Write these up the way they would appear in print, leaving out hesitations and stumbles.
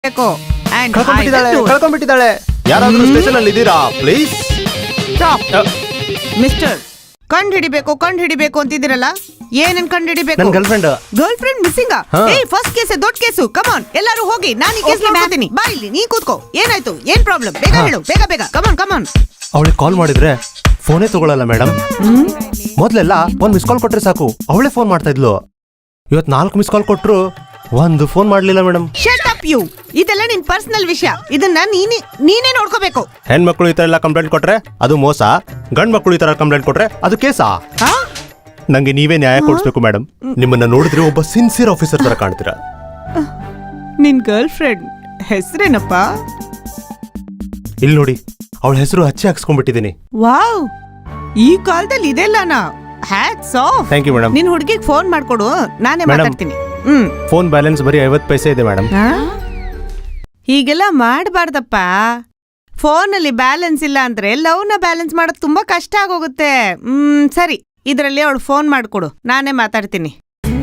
ಕಳ್ಕೊಂಡ್ಬಿಟ್ಟಿದ್ದಾಳೆ. ಯಾರಾದ್ರೂ ಸ್ಟೇಷನ್ ಅಲ್ಲಿ ಇದ್ದೀರಾ ಪ್ಲೀಸ್? ಮಿಸ್ಟರ್, ಕಂಡು ಹಿಡಿಬೇಕು ಅಂತಿದ್ದೀರಲ್ಲ, ಏನನ್ ಕಂಡು ಹಿಡಿಬೇಕು? ನನ್ನ girlfriend missing. First case ದೊಡ್ಡ ಕೇಸು. ಕಮಾನ್ ಎಲ್ಲರೂ ಹೋಗಿ, ನಾನು ಈ ಕೇಸ್ ಮಾಡ್ತೀನಿ. ಬಾ ಇಲ್ಲಿ, ನೀ ಕೂತ್ಕೋ. ಏನಾಯ್ತು? ಏನ್ ಪ್ರಾಬ್ಲಮ್? ಬೇಗ ಹೇಳು, ಬೇಗ. ಕಮಾನ್. ಅವಳಿಗೆ ಕಾಲ್ ಮಾಡಿದ್ರೆ ಫೋನೇ ತಗೊಳಲ್ಲ ಮೇಡಮ್. ಮೊದ್ಲೆಲ್ಲ ಒಂದ್ ಮಿಸ್ ಕಾಲ್ ಕೊಟ್ರೆ ಸಾಕು, ಅವಳೇ ಫೋನ್ ಮಾಡ್ತಾ ಇದ್ಲು. ಇವತ್ 4 ಮಿಸ್ ಕಾಲ್ ಕೊಟ್ರು ಒಂದು ಫೋನ್ ಮಾಡ್ಲಿಲ್ಲ ಮೇಡಮ್. Shut up you. ಇದೆಲ್ಲ ನಿನ್ ಪರ್ಸನಲ್ ವಿಷಯ, ಇದನ್ನ ನೀನೇ ನೋಡ್ಕೋಬೇಕು. ಹೆಣ್ಮಕ್ಳು ಈ ತರ ಎಲ್ಲ ಕಂಪ್ಲೇಂಟ್ ಕೊಟ್ರೆ ಅದು ಮೋಸ, ಗಂಡ್ ಮಕ್ಳು ಈ ತರ ಕಂಪ್ಲೇಂಟ್ ಕೊಟ್ರೆ ಅದು ಕೇಸಾ? ನಂಗೆ ನೀವೇ ನ್ಯಾಯ ಕೊಡಿಸ್ಬೇಕು ಮೇಡಮ್. ನಿಮ್ಮನ್ನ ನೋಡಿದ್ರೆ ಒಬ್ಬ ಸಿನ್ಸಿಯರ್ ಆಫೀಸರ್ ತರ ಕಾಣ್ತೀರಾ. ನಿನ್ ಗರ್ಲ್ ಫ್ರೆಂಡ್ ಹೆಸರೇನಪ್ಪ? ಇಲ್ಲಿ ನೋಡಿ, ಅವಳ ಹೆಸರು ಹಚ್ಚಿ ಹಾಕ್ಸ್ಕೊಂಡ್ಬಿಟ್ಟಿದ್ದೀನಿ. ವಾವ್, ಈ ಕಾಲದಲ್ಲಿ ಇದೆಲ್ಲನಾ? Hats off. Thank you madam. ನಿನ್ ಹುಡುಗಿಗೆ ಫೋನ್ ಮಾಡ್ಕೊಡು, ನಾನೇ ಮಾತಾಡ್ತೀನಿ. ಫೋನ್ ಬ್ಯಾಲೆನ್ಸ್ ಬರೀ 50 ಪೈಸೆ ಇದೆ ಮೇಡಮ್. ಹೀಗೆಲ್ಲ ಮಾಡಬಾರ್ದಪ್ಪ. ಫೋನಲ್ಲಿ ಬ್ಯಾಲೆನ್ಸ್ ಇಲ್ಲ ಅಂದ್ರೆ ಲವ್ನ ಬ್ಯಾಲೆನ್ಸ್ ಮಾಡೋದು ತುಂಬಾ ಕಷ್ಟ ಆಗೋಗುತ್ತೆ. ಸರಿ, ಇದರಲ್ಲಿ ಅವಳು ಫೋನ್ ಮಾಡ್ಕೊಡು, ನಾನೇ ಮಾತಾಡ್ತೀನಿ.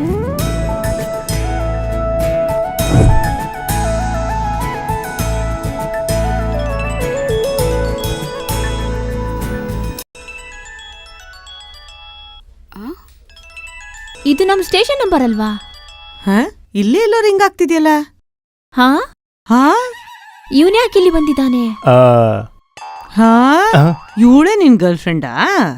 ಇದು ನಮ್ ಸ್ಟೇಷನ್ ನಂಬರ್ ಅಲ್ವಾ? ಇಲ್ಲೇ ಎಲ್ಲೋ ರಿಂಗ್ ಆಗ್ತಿದ್ಯಲ್ಲ. ಇವನ್ ಯಾಕೆ ಇಲ್ಲಿ ಬಂದಿದ್ದಾನೆ? ಇವಳೇ ನಿನ್ ಗರ್ಲ್ ಫ್ರೆಂಡಾ?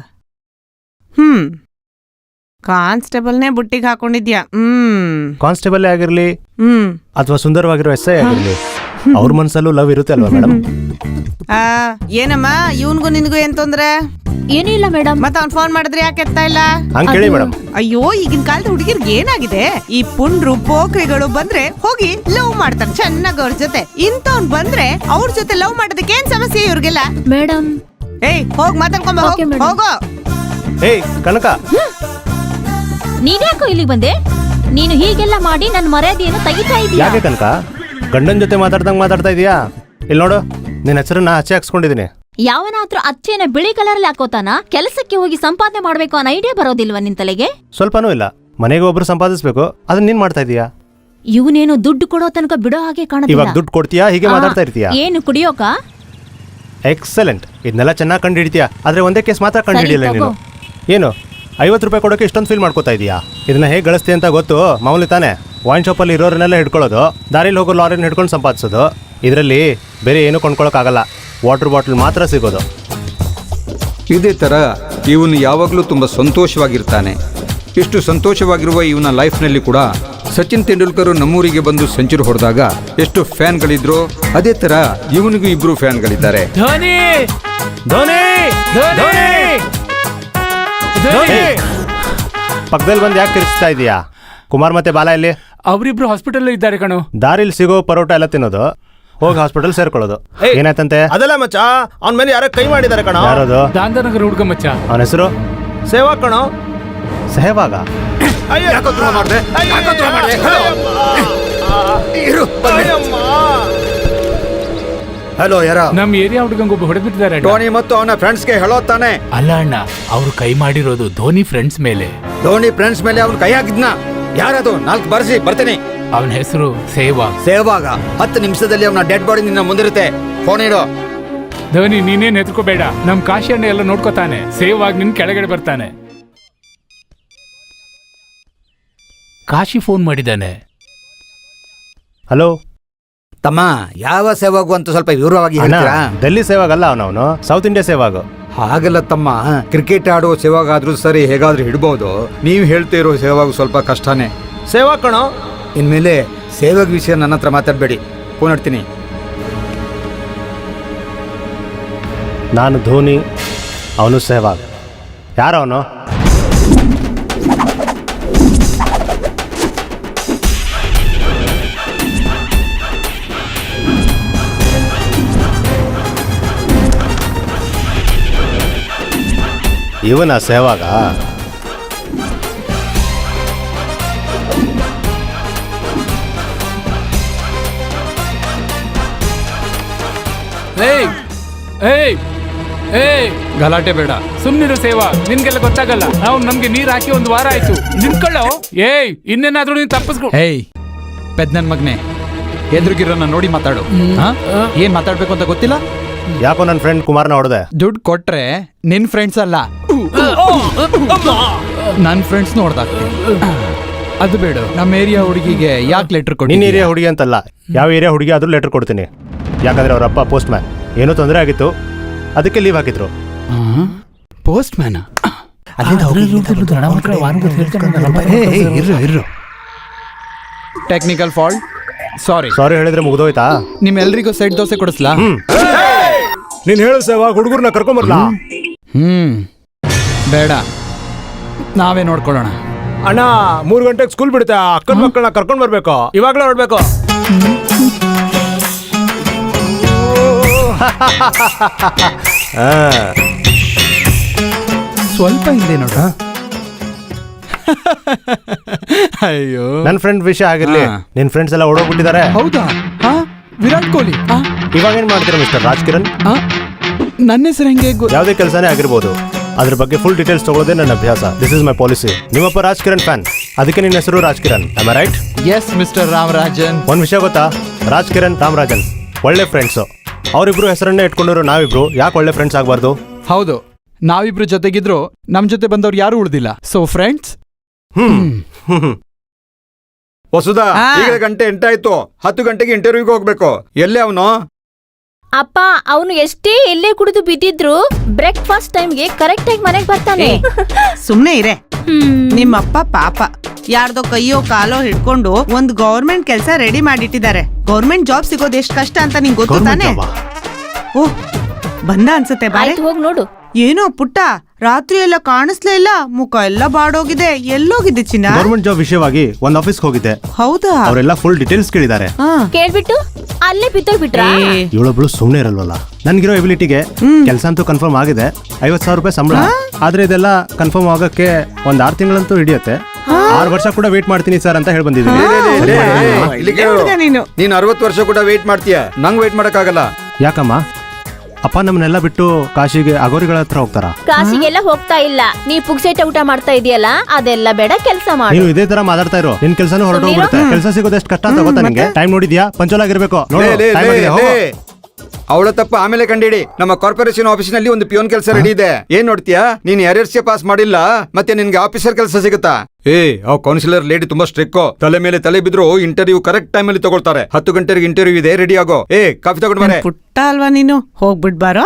ಕಾನ್ಸ್ಟೇಬಲ್ನೇ ಬುಟ್ಟಿಗೆ ಹಾಕೊಂಡಿದ್ಯಾ? ಕಾನ್ಸ್ಟೇಬಲ್ ಆಗಿರ್ಲಿ ಅಥವಾ ಸುಂದರವಾಗಿರೋ ಎಸ್ ಐ ಆಗಿರ್ಲಿ, ಅವ್ರ ಮನ್ಸಲ್ಲೂ ಲವ್ ಇರುತ್ತೆ ಅಲ್ವಾ ಮೇಡಮ್? ಏನಮ್ಮ, ಇವನ್ಗೂ ನಿನ್ಗೂ ಏನ್ ತೊಂದ್ರೆ? ಏನೂ ಇಲ್ಲ ಮೇಡಮ್. ಮತ್ತೆ ಅವ್ನ್ ಫೋನ್ ಮಾಡಿದ್ರೆ ಯಾಕೆ ಎತ್ತಾ ಇಲ್ಲ? ಕೇಳಿ ಮೇಡಮ್. ಅಯ್ಯೋ, ಈಗಿನ ಕಾಲದ ಹುಡುಗಿರ್ಗೆ ಏನಾಗಿದೆ, ಈ ಪುಂಡ್ರು ಪೋಖ್ರಿಗಳು ಬಂದ್ರೆ ಹೋಗಿ ಲವ್ ಮಾಡ್ತಾರೆ ಚೆನ್ನಾಗ್ ಅವ್ರ ಜೊತೆ. ಇಂಥವ್ನ್ ಬಂದ್ರೆ ಅವ್ರ ಜೊತೆ ಲವ್ ಮಾಡೋದಕ್ಕೆ ಏನ್ ಸಮಸ್ಯೆ ಇವ್ರಿಗೆಲ್ಲ? ಮೇಡಮ್, ಹೋಗ್ ಮಾತಾಡ್ಕೊಂಬ, ಹೋಗೋ. ಕನಕ, ನೀನ್ಯಾಕೋ ಇಲ್ಲಿಗೆ ಬಂದೆ? ನೀನು ಹೀಗೆಲ್ಲ ಮಾಡಿ ನನ್ನ ಮರ್ಯಾದೆಯನ್ನು ತೆಗಿತಾ ಇದೀಯ. ಯಾಕೆ ಕನಕ? ಗಂಡನ್ ಜೊತೆ ಮಾತಾಡ್ತಾ ಇದೀಯಾ? ಇಲ್ಲಿ ನೋಡು, ನಿನ್ನ ಹೆಸರನ್ನ ಹಚ್ಚಿ ಹಾಕ್ಸ್ಕೊಂಡಿದೀನಿ. ಯಾವನಾದ್ರೂ ಅಚ್ಚೇನ ಬಿಳಿ ಕಲರ್ ಹಾಕೋತಾನ? ಕೆಲಸಕ್ಕೆ ಹೋಗಿ ಸಂಪಾದನೆ ಮಾಡ್ಬೇಕು ಅನ್ನೋ ಐಡಿಯಾ ಬರೋದಿಲ್ವಾ ನಿನ್ ತಲೆಗೆ? ಸ್ವಲ್ಪನೂ ಇಲ್ಲ. ಮನೆಗೆ ಒಬ್ರು ಸಂಪಾದಿಸ್ಬೇಕು, ಅದನ್ನ ನೀನ್ ಮಾಡ್ತಾ ಇದೀಯಾ? ಇವನೇನು ದುಡ್ಡು ಕೊಡೋ ತನಕ ಬಿಡೋ ಹಾಗೆ ಕಾಣುತ್ತೆ. ಇವಾಗ ದುಡ್ಡು ಕೊಡ್ತೀಯಾ, ಹೀಗೆ ಮಾತಾಡ್ತಾ ಇರ್ತೀಯಾ? ಏನು ಕುಡಿಯೋಕ? ಎಕ್ಸಲೆಂಟ್, ಇದನ್ನೆಲ್ಲ ಚೆನ್ನಾಗಿ ಕಂಡು ಹಿಡಿತೀಯಾ. ಆದ್ರೆ ಒಂದೇ ಕೇಸ್ ಮಾತ್ರ ಕಂಡು ಹಿಡಿಯಲ್ಲ ನೀನು. ಏನು 50 ರೂಪಾಯಿ ಕೊಡೋಕೆ ಇಷ್ಟೊಂದು ಫೀಲ್ ಮಾಡ್ಕೋತಾ ಇದೀಯಾ? ಇದನ್ನ ಹೇಗೆ ಗಳಿಸ್ತೀಯ ಅಂತ ಗೊತ್ತು? ಮಾಮೂಲಿ ತಾನೆ, ವೈನ್ ಶಾಪಲ್ಲಿ ಇರೋರನ್ನೆಲ್ಲ ಹಿಡ್ಕೊಳ್ಳೋದು, ದಾರಿಲಿ ಹೋಗೋ ಲಾರಿನ ಹಿಡ್ಕೊಂಡು ಸಂಪಾದಿಸೋದು. ಇದರಲ್ಲಿ ಬೇರೆ ಏನು ಕೊಂಡ್ಕೊಳ್ಳೋಕ್ಕಾಗಲ್ಲ, ವಾಟರ್ ಬಾಟಲ್ ಮಾತ್ರ ಸಿಗೋದು. ಇದೇ ಥರ ಇವನು ಯಾವಾಗಲೂ ತುಂಬ ಸಂತೋಷವಾಗಿರ್ತಾನೆ. ಇಷ್ಟು ಸಂತೋಷವಾಗಿರುವ ಇವನ ಲೈಫ್ನಲ್ಲಿ ಕೂಡ ಸಚಿನ್ ತೆಂಡೂಲ್ಕರ್ ನಮ್ಮೂರಿಗೆ ಬಂದು ಸೆಂಚುರಿ ಹೊಡೆದಾಗ ಎಷ್ಟು ಫ್ಯಾನ್ಗಳಿದ್ರು, ಅದೇ ಥರ ಇವನಿಗೂ 2 ಫ್ಯಾನ್ಗಳಿದ್ದಾರೆ. ಪಕ್ಕದಲ್ಲಿ ಬಂದು ಯಾಕೆ ತಿರ್ಸ್ತಾ ಇದೀಯಾ? ಕುಮಾರ್ ಮತ್ತೆ ಬಾಲ ಇಲ್ಲಿ? ಅವರಿಬ್ರು ಹಾಸ್ಪಿಟಲ್ ಇದ್ದಾರೆ ಕಣೋ. ದಾರಿಲಿ ಸಿಗೋ ಪರೋಟ ಎಲ್ಲ ತಿನ್ನೋದು, ಹೋಗಿ ಹಾಸ್ಪಿಟಲ್ ಸೇರ್ಕೊಳ್ಳೋದು. ಏನಾಯ್ತಂತೆ? ಅದಲ್ಲ ಮಚ್ಚ, ಅವನ ಮೇಲೆ ಯಾರೋ ಕೈ ಮಾಡಿದ್ದಾರೆ ಕಣೋ. ಯಾರದು? ದಾಂಧನಗರ ಹುಡುಗ ಮಚ್ಚ. ಅವನ ಹೆಸರು ಸೇವಾ ಕಣೋ. ಸಹವಾಗ? ಹಲೋ, ಯಾರ? ನಮ್ ಏರಿಯಾ ಹುಡುಗಂಗೊಬ್ಬ ಹೊಡೆದ್ಬಿಟ್ಟಿದ್ದಾರೆ. ಧೋನಿ ಮತ್ತು ಅವನ ಫ್ರೆಂಡ್ಸ್ಗೆ ಹೇಳೋ ತಾನೆ? ಅಲ್ಲ ಅಣ್ಣ, ಅವ್ರು ಕೈ ಮಾಡಿರೋದು ಧೋನಿ ಫ್ರೆಂಡ್ಸ್ ಮೇಲೆ. ಧೋನಿ ಫ್ರೆಂಡ್ಸ್ ಮೇಲೆ ಅವ್ನು ಕೈ ಹಾಕಿದ್ನ? ಯಾರದು? 4 ಬರ್ಸಿ ಬರ್ತೀನಿ. ಅವನ ಹೆಸರು ಸೇವಾಗ. 10 ನಿಮಿಷದಲ್ಲಿ ಅವನ ಡೆಡ್ ಬಾಡಿ ನಿನ್ನ ಮುಂದಿರುತ್ತೆ. ಫೋನ್ ಇಡೋ. ಧೋನಿ, ನೀನೇನ್ ಹೆದರ್ಕೋಬೇಡ, ನಮ್ ಕಾಶಿ ಅಣ್ಣ ಎಲ್ಲ ನೋಡ್ಕೋತಾನೆ. ಸೇವಾಗ್ ನಿನ್ ಕೆಳಗಡೆ ಬರ್ತಾನೆ. ಕಾಶಿ ಫೋನ್ ಮಾಡಿದ್ದಾನೆ. ಹಲೋ ತಮ್ಮ, ಯಾವ ಸೇವಾಗು ಅಂತ ಸ್ವಲ್ಪ ವಿವರವಾಗಿ ಹೇಳ್ತೀರಾ? ಡೆಲ್ಲಿ ಸೇವಾಗಲ್ಲ, ಅವನವನು ಸೌತ್ ಇಂಡಿಯಾ ಸೇವಾಗು. ಹಾಗಲ್ಲ ತಮ್ಮ, ಕ್ರಿಕೆಟ್ ಆಡೋ ಸೇವಾಗಾದ್ರೂ ಸರಿ, ಹೇಗಾದ್ರೂ ಹಿಡ್ಬೋದು. ನೀವು ಹೇಳ್ತಿರೋ ಸೇವಾಗು ಸ್ವಲ್ಪ ಕಷ್ಟನೇ. ಸೇವಾ ಕಣೋ. ಇನ್ಮೇಲೆ ಸೇವಾಗ ವಿಷಯ ನನ್ನ ಹತ್ರ ಮಾತಾಡಬೇಡಿ, ಫೋನ್ ಇಡ್ತೀನಿ. ನಾನು ಧೋನಿ, ಅವನು ಸೆಹವಾಗ್. ಯಾರವನು? ಇವನ ಸೆಹವಾಗ? ಗಲಾಟೆ ಬೇಡ, ಸುಮ್ನಿರು ಸೇವಾ. ನಿನ್ಗೆಲ್ಲ ಗೊತ್ತಾಗಲ್ಲ. ನಾವು ನಮ್ಗೆ ನೀರ್ ಹಾಕಿ 1 ವಾರ ಆಯ್ತು. ನಿಂತ್ಕೊಳ್ಳೋ. ಇನ್ನೇನಾದ್ರೂ ನೀನ್ ತಪ್ಪಿಸ್ಕೊ. ಪೆದ್ ನನ್ ಮಗ್ನೆ, ಎದುರುಗಿರೋನ ನೋಡಿ ಮಾತಾಡು. ಏನ್ ಮಾತಾಡ್ಬೇಕು ಅಂತ ಗೊತ್ತಿಲ್ಲ? ಯಾಕೋ ನನ್ನ ಫ್ರೆಂಡ್ ಕುಮಾರ್ನ ಹೊಡೆದೆ. ದುಡ್ಡು ಕೊಟ್ರೆ ನಿನ್ ಫ್ರೆಂಡ್ಸ್ ಅಲ್ಲ, ನನ್ ಫ್ರೆಂಡ್ಸ್ ನೋಡ್ದಾಕ್ತೀನಿ. ಅದು ಬೇಡ. ನಮ್ಮ ಏರಿಯಾ ಹುಡುಗಿಗೆ ಯಾಕೆ ಲೆಟರ್ ಕೊಡಿ? ನಿನ್ನ ಏರಿಯಾ ಹುಡುಗಿ ಅಂತಲ್ಲ, ಯಾವ ಏರಿಯಾ ಹುಡುಗಿ ಆದ್ರೂ ಲೆಟರ್ ಕೊಡ್ತೀನಿ. ಯಾಕಂದ್ರೆ ಅವ್ರ ಅಪ್ಪ ಪೋಸ್ಟ್ ಮ್ಯಾನ್, ಏನೋ ತೊಂದರೆ ಆಗಿತ್ತು, ಅದಕ್ಕೆ ಲೀವ್ ಹಾಕಿದ್ರು. Postman technical fault. Sorry ಹೇಳಿದ್ರೆ ಮುಗ್ದೋಯ್ತಾ? ನಿಮ್ಮೆಲ್ರಿಗೂ ಸೈಡ್ ದೋಸೆ ಕೊಡಿಸ್ಲಾ? ನೀನ್ ಹೇಳು ಸೇವಾ, ಹುಡುಗರ್ನ ಕರ್ಕೊಂಬರ್ಲಾ? ಬೇಡ, ನಾವೇ ನೋಡ್ಕೊಳ್ಳೋಣ. ಅಣ್ಣ 3 ಗಂಟೆಗೆ ಸ್ಕೂಲ್ ಬಿಡುತ್ತೆ, ಅಕ್ಕನ ಮಕ್ಕಳನ್ನ ಕರ್ಕೊಂಡ್ ಬರ್ಬೇಕು, ಇವಾಗ್ಲೇ ಹೊಡ್ಬೇಕು. ಸ್ವಲ್ಪ ಹಿಂದೆ ನೋಡ. ಅಯ್ಯೋ, ನನ್ನ ಫ್ರೆಂಡ್ ವಿಷಯ ಆಗಿರ್ಲಿ, ನಿನ್ ಫ್ರೆಂಡ್ಸ್ ಎಲ್ಲ ಓಡೋಗ್ಬಿಟ್ಟಿದ್ದಾರೆ. ಹೌದಾ? ವಿರಾಟ್ ಕೊಹ್ಲಿ. ಇವಾಗ ಏನ್ ಮಾಡ್ತೀರಾ ಮಿಸ್ಟರ್ ರಾಜ್ ಕಿರಣ್? ನನ್ನ ಹೆಸರು ಹೆಂಗೆ? ಯಾವುದೇ ಕೆಲಸನೇ ಆಗಿರ್ಬೋದು, ಅದ್ರ ಬಗ್ಗೆ ಫುಲ್ ಡೀಟೇಲ್ಸ್ ತಗೊಳ್ಳೋದೇ ನನ್ನ ಅಭ್ಯಾಸ. This is my policy. ನಿಮ್ಮಪ್ಪ ರಾಜ್ ಕಿರಣ್ ಫ್ಯಾನ್, ಅದಕ್ಕೆ ನಿನ್ನ ಹೆಸರು Raj Kiran. Am I right? Yes mister Ramarajan. ಒಂದ್ ವಿಷಯ ಗೊತ್ತಾ, ರಾಜ್ ಕಿರಣ್ ರಾಮರಾಜನ್ ಒಳ್ಳೆ ಫ್ರೆಂಡ್ಸು. ಅವರಿಬ್ರು ಹೆಸರನ್ನೇ ಇಟ್ಕೊಂಡಿರೋ ನಾವಿಬ್ರು ಯಾಕೆ ಒಳ್ಳೆ ಫ್ರೆಂಡ್ಸ್ ಆಗಬಾರ್ದು? ಹೌದು, ನಾವಿಬ್ರು ಜೊತೆಗಿದ್ರು ನಮ್ ಜೊತೆ ಬಂದವ್ರು ಯಾರು ಉಳಿದಿಲ್ಲ. So friends. ವಸುಧಾ, ಈಗ ಗಂಟೆ 8 ಆಯ್ತು. 10 ಗಂಟೆಗೆ ಇಂಟರ್ವ್ಯೂಗೆ ಹೋಗ್ಬೇಕು. ಎಲ್ಲೇ ಅವನು? ಅಪ್ಪ, ಅವನು ಎಷ್ಟೇ ಎಲ್ಲೇ ಕುಡಿದು ಬಿದ್ದಿದ್ರು ಬ್ರೇಕ್ಫಾಸ್ಟ್ ಟೈಮ್ಗೆ ಕರೆಕ್ಟ್ ಆಗಿ ಮನೆಗೆ ಬರ್ತಾನೆ. ಸುಮ್ನೆ ಇರೆ. ನಿಮ್ಮಪ್ಪ ಪಾಪ ಯಾರ್ದೋ ಕೈಯೋ ಕಾಲೋ ಹಿಡ್ಕೊಂಡು ಒಂದ್ ಗೌರ್ಮೆಂಟ್ ಕೆಲಸ ರೆಡಿ ಮಾಡಿಟ್ಟಿದ್ದಾರೆ. ಗೌರ್ಮೆಂಟ್ ಜಾಬ್ ಸಿಗೋದು ಎಷ್ಟು ಕಷ್ಟ ಅಂತ ನಿಂಗೆ ಗೊತ್ತು ತಾನೆ? ಓಹ್, ಬಂದ ಅನ್ಸುತ್ತೆ. ಬಾರೆ ಹೋಗಿ ನೋಡು. ಏನೋ ಪುಟ್ಟ, ರಾತ್ರಿ ಎಲ್ಲ ಕಾಣಿಸ್ಲೇ ಇಲ್ಲ, ಮುಖ ಎಲ್ಲ ಬಾಡೋಗಿದೆ. ಎಲ್ಲೋಗಿದ್ದೆ ಚಿನ್ನ? ಗೌರ್ಮೆಂಟ್ ಜಾಬ್ ವಿಷಯವಾಗಿ ಒಂದ್ ಆಫೀಸ್ಗೆ ಹೋಗಿದ್ದೆ. ಹೌದಾ? ಅವರೆಲ್ಲ ಫುಲ್ ಡೀಟೇಲ್ಸ್ ಕೇಳಿದ್ದಾರೆ. ಕೇಳ್ಬಿಟ್ಟು ಅಲ್ಲೇ ಬಿತ್ತೋಗ್ಬಿಟ್ರಾ? ಇವಳೊಬ್ಳು ಸುಮ್ನೆ ಇರಲ್ವಲ್ಲ. ನನ್ಗಿರೋ ಎಬಿಲಿಟಿಗೆ ಕೆಲಸ ಅಂತೂ ಕನ್ಫರ್ಮ್ ಆಗಿದೆ. 50,000 ರೂಪಾಯಿ ಸಂಬಳ. ಆದ್ರೆ ಇದೆಲ್ಲ ಕನ್ಫರ್ಮ್ ಆಗಕ್ಕೆ ಒಂದ್ 6 ತಿಂಗಳಂತೂ ಹಿಡಿಯುತ್ತೆ. 6 ವರ್ಷ ಕೂಡ ವೇಟ್ ಮಾಡ್ತೀನಿ ಸರ್ ಅಂತ ಹೇಳಿ ಬಂದಿದ್ದೀನಿ. ನೀನ್ 60 ವರ್ಷ ಕೂಡ ವೇಟ್ ಮಾಡ್ತೀಯ, ನಂಗ್ ವೇಟ್ ಮಾಡಕ್ಕಾಗಲ್ಲ. ಯಾಕಮ್ಮ? ಅಪ್ಪ ನಮ್ಮನ್ನೆಲ್ಲ ಬಿಟ್ಟು ಕಾಶಿಗೆ ಅಗೋರಿಗಳ ಹತ್ರ ಹೋಗ್ತಾರ? ಕಾಶಿಗೆಲ್ಲ ಹೋಗ್ತಾ ಇಲ್ಲ. ನೀ ಪುಕ್ಸೇಟ ಊಟ ಮಾಡ್ತಾ ಇದೆಯಲ್ಲ, ಅದೆಲ್ಲ ಬೇಡ, ಕೆಲಸ ಮಾಡು. ನೀನು ಇದೇ ತರ ಮಾತಾಡ್ತಾ ಇರೋ, ನಿನ್ ಕೆಲಸನೂ ಹೊರಟೋಗ್ಬಿಡುತ್ತೆ. ಕೆಲಸ ಸಿಗೋದು ಎಷ್ಟು ಕಷ್ಟ ಅಂತ ಗೊತ್ತಾ ನಿಂಗೆ? ಟೈಮ್ ನೋಡಿದ್ಯಾ? ಪಂಚೋಲ್ ಆಗಿರ್ಬೇಕು. ಅವಳ ತಪ್ಪ ಆಮೇಲೆ ಕಂಡಿಡಿ. ನಮ್ಮ ಕಾರ್ಪೊರೇಷನ್ ಆಫೀಸಿನಲ್ಲಿ ಒಂದು ಪಿಯೋನ್ ಕೆಲಸ ರೆಡಿ ಇದೆ. ಏನ್ ನೋಡ್ತೀಯಾ? ನೀನ್ RRC ಪಾಸ್ ಮಾಡಿಲ್ಲ, ಮತ್ತೆ ನಿನ್ಗೆ ಆಫೀಸರ್ ಕೆಲಸ ಸಿಗುತ್ತಾ? ಆ ಕೌನ್ಸಿಲರ್ ಲೇಡಿ ತುಂಬಾ ಸ್ಟ್ರಿಕ್. ತಲೆ ಮೇಲೆ ತಲೆ ಬಿದ್ರು ಇಂಟರ್ವ್ಯೂ ಕರೆಕ್ಟ್ ಟೈಮ್ ಅಲ್ಲಿ ತಗೊಳ್ತಾರೆ. 10 ಗಂಟೆಗೆ ಇಂಟರ್ವ್ಯೂ ಇದೆ, ರೆಡಿ ಆಗೋ. ಕಾಫಿ ತಗೊಂಡ್ ಬಾರೆ. ಪುಟ್ಟ ಅಲ್ವಾ ನೀನು? ಹೋಗ್ಬಿಟ್ ಬಾರೋ.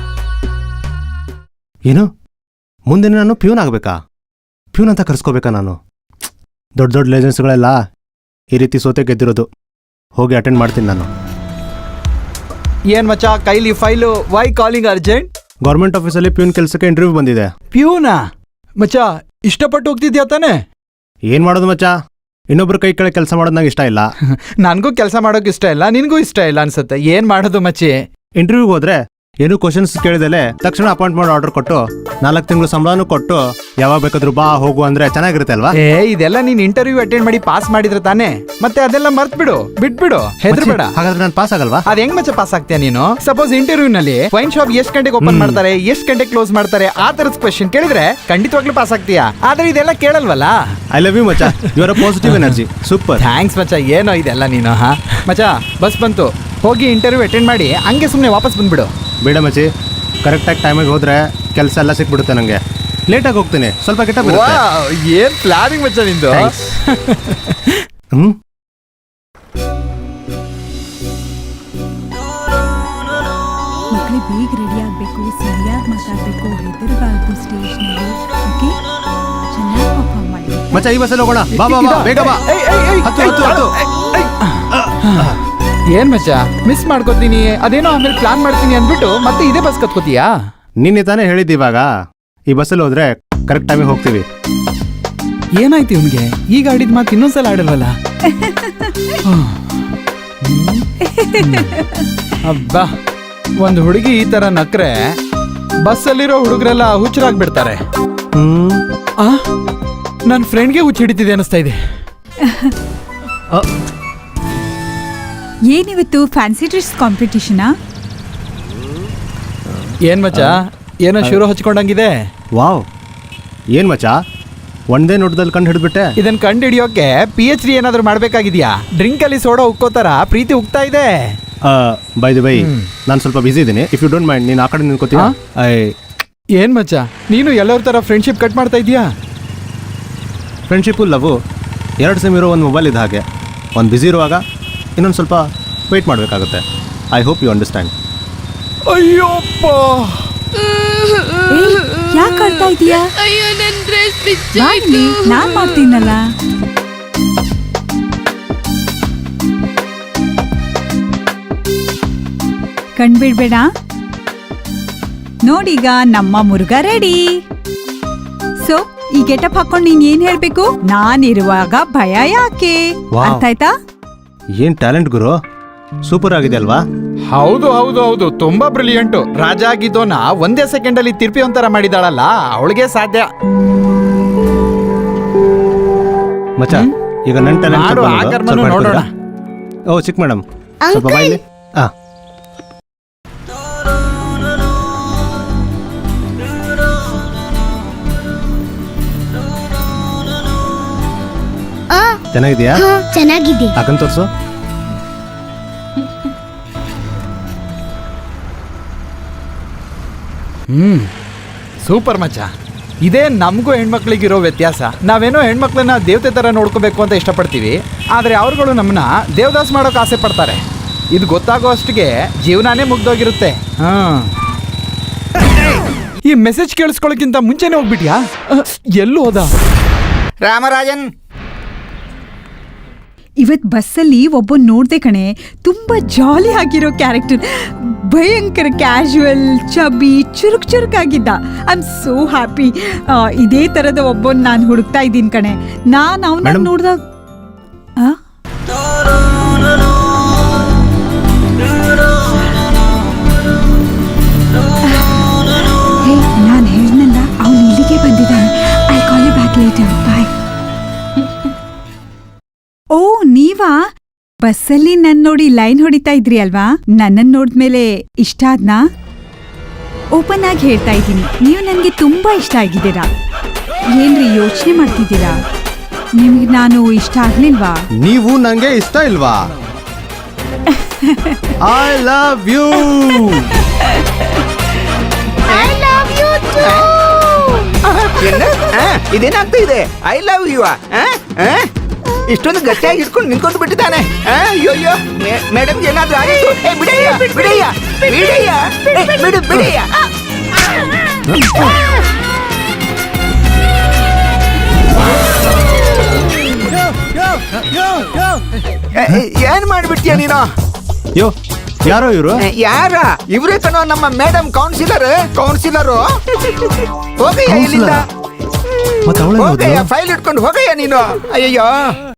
ಏನು ಮುಂದೆ ನಾನು ಪ್ಯೂನ್ ಆಗ್ಬೇಕಾ? ಪ್ಯೂನ್ ಅಂತ ಕರ್ಸ್ಕೋಬೇಕಾ ನಾನು? ದೊಡ್ಡ ದೊಡ್ಡ ಲೇಜೆನ್ಸ್ಗಳೆಲ್ಲ ಈ ರೀತಿ ಸೋತೆ ಗೆದ್ದಿರೋದು. ಹೋಗಿ ಅಟೆಂಡ್ ಮಾಡ್ತೀನಿ ನಾನು. ಏನ್ ಮಚ್ಚ ಕೈಲಿ file? Why calling urgent? Government ಆಫೀಸಲ್ಲಿ ಪ್ಯೂನ್ ಕೆಲಸಕ್ಕೆ ಇಂಟರ್ವ್ಯೂ ಬಂದಿದೆ. ಪ್ಯೂನಾ? ಮಚ್ಚ ಇಷ್ಟಪಟ್ಟು ಹೋಗ್ತಿದ್ಯಾ ತಾನೆ? ಏನ್ ಮಾಡೋದು ಮಚ್ಚ, ಇನ್ನೊಬ್ರು ಕೈ ಕೆಳಗೆ ಕೆಲಸ ಮಾಡೋದು ನಂಗೆ ಇಷ್ಟ ಇಲ್ಲ. ನನ್ಗೂ ಕೆಲಸ ಮಾಡೋಕೆ ಇಷ್ಟ ಇಲ್ಲ, ನಿನ್ಗೂ ಇಷ್ಟ ಇಲ್ಲ ಅನ್ಸುತ್ತೆ. ಏನ್ ಮಾಡೋದು ಮಚ್ಚಿ? ಇಂಟರ್ವ್ಯೂಗೆ ಹೋದ್ರೆ ಏನು ಕ್ವಶನ್ಸ್ ಕೇಳಿದಲೆ ತಕ್ಷಣ ಅಪಾಯಿಂಟ್ಮೆಂಟ್ ಆರ್ಡರ್ ಕೊಟ್ಟು 4 ತಿಂಗಳು ಸಂಬಳನೂ ಕೊಟ್ಟು ಯಾವಾಗ ಬೇಕಾದ್ರೂ ಬಾ ಹೋಗು ಅಂದ್ರೆ ಚೆನ್ನಾಗಿರುತ್ತೆ ಅಲ್ವಾ? ಇದೆಲ್ಲ ನೀನ್ ಇಂಟರ್ವ್ಯೂ ಅಟೆಂಡ್ ಮಾಡಿ ಪಾಸ್ ಮಾಡಿದ್ರೆ ತಾನೆ. ಮತ್ತೆ ಅದೆಲ್ಲ ಮರ್ತ್ ಬಿಡು, ಬಿಟ್ಬಿಡು, ಹೆದರ್ಬೇಡ. ಹಾಗಾದ್ರೆ ನಾನು ಪಾಸ್ ಆಗಲ್ವಾ? ಅದ್ ಹೆಂಗ್ ಮಚ್ಚ ಪಾಸ್ ಆಗ್ತೀಯ ನೀನು? ಸಪೋಸ್ ಇಂಟರ್ವ್ಯೂ ನಲ್ಲಿ ವೈನ್ ಶಾಪ್ ಎಷ್ಟ್ ಗಂಟೆಗೆ ಓಪನ್ ಮಾಡ್ತಾರೆ, ಎಷ್ಟ್ ಗಂಟೆಗೆ ಕ್ಲೋಸ್ ಮಾಡ್ತಾರೆ, ಆ ತರದ ಕ್ವಶನ್ ಕೇಳಿದ್ರೆ ಖಂಡಿತವಾಗ್ಲೂ ಪಾಸ್ ಆಗ್ತೀಯಾ. ಆದ್ರೆ ಇದೆಲ್ಲ ಕೇಳಲ್ವಲ್ಲ. ಐ ಲವ್ ಯು ಮಚ್ಚ, you are a positive energy. Super, thanks ಮಚ್ಚ. ಏನೋ ಇದೆಲ್ಲ ನೀನು. ಮಚ್ಚ ಬಸ್ ಬಂತು, ಹೋಗಿ ಇಂಟರ್ವ್ಯೂ ಅಟೆಂಡ್ ಮಾಡಿ ಹಂಗೆ ಸುಮ್ನೆ ವಾಪಸ್ ಬಂದ್ಬಿಡು. ಬೇಡ ಮಚ್ಚಿ, ಕರೆಕ್ಟಾಗಿ ಟೈಮಿಗೆ ಹೋದ್ರೆ ಕೆಲಸ ಎಲ್ಲ ಸಿಕ್ಬಿಡುತ್ತೆ ನಂಗೆ. ಲೇಟಾಗಿ ಹೋಗ್ತೀನಿ, ಸ್ವಲ್ಪ ಕೆಟ್ಟ. ಏನ್ ಪ್ಲಾನಿಂಗ್ ಮಚ್ಚ ನಿಂದು. ಮಕ್ಕಳೇ ಬೇಗ ರೆಡಿ ಆಗಬೇಕು, ಸರಿಯಾಗಿ ಮಾತಾಡಬೇಕು, ಹೆದರಬಾರ್ದು. ಸ್ಟೇಜ್ನಲ್ಲಿ ಓಕೆ, ಚೆನ್ನಾಗಿ ಪರ್ಫಾರ್ಮ್ ಮಾಡಿ. ಮಚ್ಚ ಈ ಬಸ್ಸಲ್ಲಿ ಹೋಗೋಣ. ಬಾ ಬಾ ಬಾ, ಬೇಗ ಬಾ. ಹತ್ತು. ಏನ್ ಮಚ್ಚ ಮಿಸ್ ಮಾಡ್ಕೋತೀನಿ, ಅದೇನೋ ಆಮೇಲೆ ಪ್ಲಾನ್ ಮಾಡ್ತೀನಿ ಅಂದ್ಬಿಟ್ಟು ಮತ್ತೆ ಇದೇ ಬಸ್ ಕತ್ಕೋತೀಯಾ? ನಿನ್ನೆ ತಾನೇ ಹೇಳಿದ್ದು, ಇವಾಗ ಈ ಬಸ್ಸಲ್ಲಿ ಹೋದ್ರೆ ಕರೆಕ್ಟ್ ಟೈಮಿಗೆ ಹೋಗ್ತೀವಿ. ಏನಾಯ್ತು ಇವ್ನಿಗೆ? ಈಗ ಆಡಿದ ಮಾತು ಇನ್ನೊಂದ್ಸಲ ಆಡಲ್ವಲ್ಲ? ಅಬ್ಬಾ, ಒಂದ್ ಹುಡುಗಿ ಈ ತರ ನಕ್ರೆ ಬಸ್ಸಲ್ಲಿರೋ ಹುಡುಗರೆಲ್ಲ ಹುಚ್ಚರಾಗ್ಬಿಡ್ತಾರೆ. ನನ್ ಫ್ರೆಂಡ್ಗೆ ಹುಚ್ಚ ಹಿಡಿತಿದೆ ಅನಿಸ್ತಾ ಇದೆ. ಏನಿವತ್ತು ಫ್ಯಾನ್ಸಿ ಡ್ರೆಸ್ ಕಾಂಪಿಟಿಷನಾ? ಏನ್ ಮಚ್ಚ ಏನೋ ಶುರು ಹಚ್ಕೊಂಡಂಗಿದೆ. ವಾವ್, ಏನ್ ಮಚ್ಚ ಒಂದೇ ನೋಟದಲ್ಲಿ ಕಂಡು ಹಿಡಿದ್ಬಿಟ್ಟೆ. ಇದನ್ನ ಕಂಡು ಹಿಡಿಯೋಕೆ PhD ಏನಾದ್ರು ಮಾಡ್ಬೇಕಾಗಿದ್ಯಾ? ಡ್ರಿಂಕ್ ಅಲ್ಲಿ ಸೋಡಾ ಉಕ್ಕೋತಾರ ಪ್ರೀತಿ ಉಕ್ತಾ ಇದೆ. ಬೈ ದಿ ಬೈ, ನಾನು ಸ್ವಲ್ಪ ಬಿಸಿ ಇದ್ದೀನಿ. ಇಫ್ ಯು ಡೋಂಟ್ ಮೈಂಡ್, ನೀನು ಆ ಕಡೆ ನಿಂತ್ಕೋತೀಯ? ಏನ್ ಮಚ್ಚ, ನೀನು ಎಲ್ಲರ ತರ ಫ್ರೆಂಡ್ಶಿಪ್ ಕಟ್ ಮಾಡ್ತಾ ಇದೀಯಾ? ಫ್ರೆಂಡ್ಶಿಪ್ಪು ಲವ್ ಎರಡು ಸೇಮ್ ಇರೋ ಒಂದು ಮೊಬೈಲ್ ಇದ್ದ ಹಾಗೆ. ಒಂದು ಬಿಸಿ ಇರುವಾಗ ಇನ್ನೊಂದು ಸ್ವಲ್ಪ ವೆಯ್ಟ್ ಮಾಡಬೇಕಾಗುತ್ತೆ. I hope you understand. ಅಯ್ಯೋಪ್ಪ, ಯಾಕೆ ಆಡ್ತಾ ಇದೀಯಾ? ಅಯ್ಯೋ ನನ್ ಡ್ರೆಸ್ ಬಾ ಇಲ್ಲಿ, ನಾನ್ ಮಾಡ್ತೀನಲ್ಲ. ಕಣ್ಬಿಡ್ಬೇಡ. ನೋಡೀಗ ನಮ್ಮ ಮುರುಘಾ ರೆಡಿ. ಸೊ ಈ ಗೆಟಪ್ ಹಾಕೊಂಡು ನೀನ್ ಏನ್ ಹೇಳ್ಬೇಕು? ನಾನಿರುವಾಗ ಭಯ ಯಾಕೆ? Wow. ಅರ್ಥ ಆಯ್ತಾ? ಏನು ಟ್ಯಾಲೆಂಟ್ ಗುರು, ಸೂಪರ್ ಆಗಿದೆ ಅಲ್ವಾ? ಹೌದು ಹೌದು ಹೌದು, ತುಂಬಾ ಬ್ರಿಲಿಯಂಟು. ರಾಜ ಆಗಿದ್ದೋನ ಒಂದೇ ಸೆಕೆಂಡ್ ಅಲ್ಲಿ ತಿರ್ಪಿ ಒಂಥರ ಮಾಡಿದಾಳಲ್ಲ, ಅವಳಿಗೆ ಸಾಧ್ಯ. ಮಚ್ಚ, ಈಗ ನನ್ನ ಮಾಡು, ಆ ಕರ್ಮನು ನೋಡೋಣ. ಟ್ಯಾಲೆಂಟ್. ಓ ಚಿಕ್ಕ ಮೇಡಮ್, ಸ್ವಲ್ಪ ಬಾಯಿಲಿ. ಹಾಂ, ಚೆನ್ನಾಗಿದೆಯಾ? ಚೆನ್ನಾಗಿದೆ. ಹಾಕನ್ ತೋರಿಸು. ಸೂಪರ್ ಮಚ್ಚ. ಇದೇ ನಮಗೂ ಹೆಣ್ಮಕ್ಳಿಗಿರೋ ವ್ಯತ್ಯಾಸ. ನಾವೇನೋ ಹೆಣ್ಮಕ್ಳನ್ನ ದೇವತೆ ತರ ನೋಡ್ಕೋಬೇಕು ಅಂತ ಇಷ್ಟಪಡ್ತೀವಿ, ಆದ್ರೆ ಅವ್ರುಗಳು ನಮ್ಮನ್ನ ದೇವದಾಸ್ ಮಾಡೋಕೆ ಆಸೆ ಪಡ್ತಾರೆ. ಇದು ಗೊತ್ತಾಗೋ ಅಷ್ಟಿಗೆ ಜೀವನಾನೇ ಮುಗ್ದೋಗಿರುತ್ತೆ. ಈ ಮೆಸೇಜ್ ಕೇಳಿಸ್ಕೊಳ್ಳೋಕ್ಕಿಂತ ಮುಂಚೆನೆ ಹೋಗ್ಬಿಟ್ಯಾ? ಎಲ್ಲೂ ಹೋದ ರಾಮರಾಜನ್? ಇವತ್ ಬಸ್ಸಲ್ಲಿ ಒಬ್ಬ ನೋಡ್ದೆ ಕಣೆ, ತುಂಬಾ ಜಾಲಿ ಆಗಿರೋ ಕ್ಯಾರೆಕ್ಟರ್. ಭಯಂಕರ ಕ್ಯಾಶುವಲ್, ಚಬಿ, ಚುರುಕಾಗಿದ್ದ. I am so happy. ಇದೇ ತರದ ಒಬ್ಬನ್ ನಾನು ಹುಡುಕ್ತಾ ಇದ್ದೀನಿ ಕಣೆ. ನಾನು ಅವನ Madam? ನೋಡ್ದಾಗ ನಾನು ಹೇಳ್ನಲ್ಲ, ಅವನು ಇಲ್ಲಿಗೆ ಬಂದಿದ್ದಾನೆ. I call you back later. Bye. ಓ, ನೀವಾ? ಬಸ್ಸಲ್ಲಿ ನನ್ ನೋಡಿ ಲೈನ್ ಹೊಡಿತಾ ಇದ್ರಿ ಅಲ್ವಾ? ನನ್ನನ್ ನೋಡಿದ್ಮೇಲೆ ಇಷ್ಟ ಆದ್ನಾ? ಓಪನ್ ಆಗಿ ಹೇಳ್ತಾ ಇದ್ದೀನಿ, ನೀವು ನನಗೆ ತುಂಬಾ ಇಷ್ಟ ಆಗಿದ್ದೀರಾ. ಏನ್ರಿ ಯೋಚನೆ ಮಾಡ್ತಿದ್ದೀರಾ? ನಿಮ್ಗೆ ನಾನು ಇಷ್ಟ ಆಗ್ಲಿಲ್ವಾ? ನೀವು ನಂಗೆ ಇಷ್ಟ ಇಲ್ವಾ? I love you. ಇದೇನಾಗ್ತಾ ಇದೆ? I love you. ಇಷ್ಟೊಂದು ಗಟ್ಟಿಯಾಗಿ ಇಟ್ಕೊಂಡು ನಿಂತ್ಕೊಂಡು ಬಿಟ್ಟಿದ್ದಾನೆ. ಅಯ್ಯೋ, ಮೇಡಮ್ ಏನಾದ್ರೂ ಆಗಿತ್ತು? ಬಿಡಯ್ಯ, ಬಿಡಯ್ಯ, ಬಿಡಯ್ಯ, ಬಿಡು, ಬಿಡಯ್ಯ. ಏನ್ ಮಾಡ್ಬಿಡ್ತೀಯ ನೀನು? ಯೋ, ಯಾರೋ ಇವರು? ಯಾರ? ಇವ್ರೇ ಕಣೋ ನಮ್ಮ ಮೇಡಮ್ ಕೌನ್ಸಿಲರು. ಹೋಗಯ್ಯ ಇಲ್ಲಿಂದ, ಮತ್ತೆ ಅವಳ ಹೋಗಯ್ಯ, ಫೈಲ್ ಇಟ್ಕೊಂಡು ಹೋಗಯ್ಯ ನೀನು. ಅಯ್ಯಯ್ಯೋ.